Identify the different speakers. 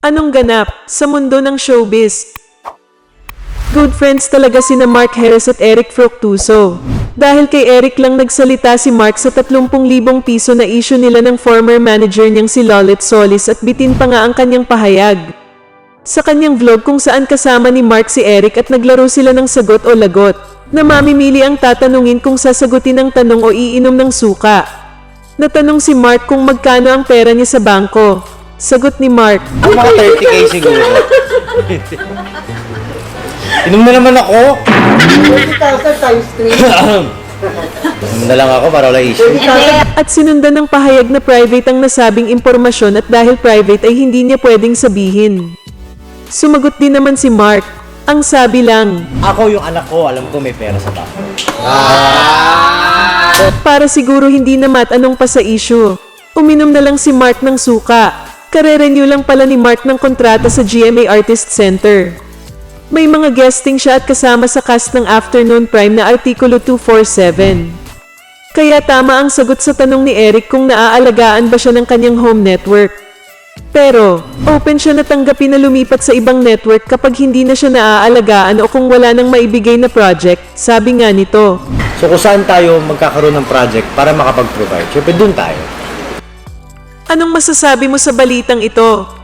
Speaker 1: Anong ganap sa mundo ng showbiz? Good friends talaga sina Mark Harris at Eric Fructuoso. Dahil kay Eric lang nagsalita si Mark sa 30,000 piso na issue nila ng former manager niyang si Lolet Solis at bitin pa nga ang kanyang pahayag. Sa kanyang vlog kung saan kasama ni Mark si Eric at naglaro sila ng sagot o lagot, na mamimili ang tatanungin kung sasagutin ang tanong o iinom ng suka. Natanong si Mark kung magkano ang pera niya sa bangko. Sagot ni Mark,
Speaker 2: Ang mga 30k siguro. Inom na naman ako.
Speaker 3: 20,000 times 3.
Speaker 2: Inom na lang ako para wala issue.
Speaker 1: at sinundan ng pahayag na private ang nasabing impormasyon at dahil private ay hindi niya pwedeng sabihin. Sumagot din naman si Mark. Ang sabi lang,
Speaker 2: Ako yung anak ko, alam ko may pera sa bako.
Speaker 1: para siguro hindi na matanong pa sa issue. Uminom na lang si Mark ng suka. Kare-renew lang pala ni Mark ng kontrata sa GMA Artist Center. May mga guesting siya at kasama sa cast ng Afternoon Prime na Artikulo 247. Kaya tama ang sagot sa tanong ni Eric kung naaalagaan ba siya ng kanyang home network. Pero, open siya na tanggapin na lumipat sa ibang network kapag hindi na siya naaalagaan o kung wala nang maibigay na project, sabi nga nito.
Speaker 2: So kung saan tayo magkakaroon ng project para makapag-provide, syempre dun tayo.
Speaker 1: Anong masasabi mo sa balitang ito?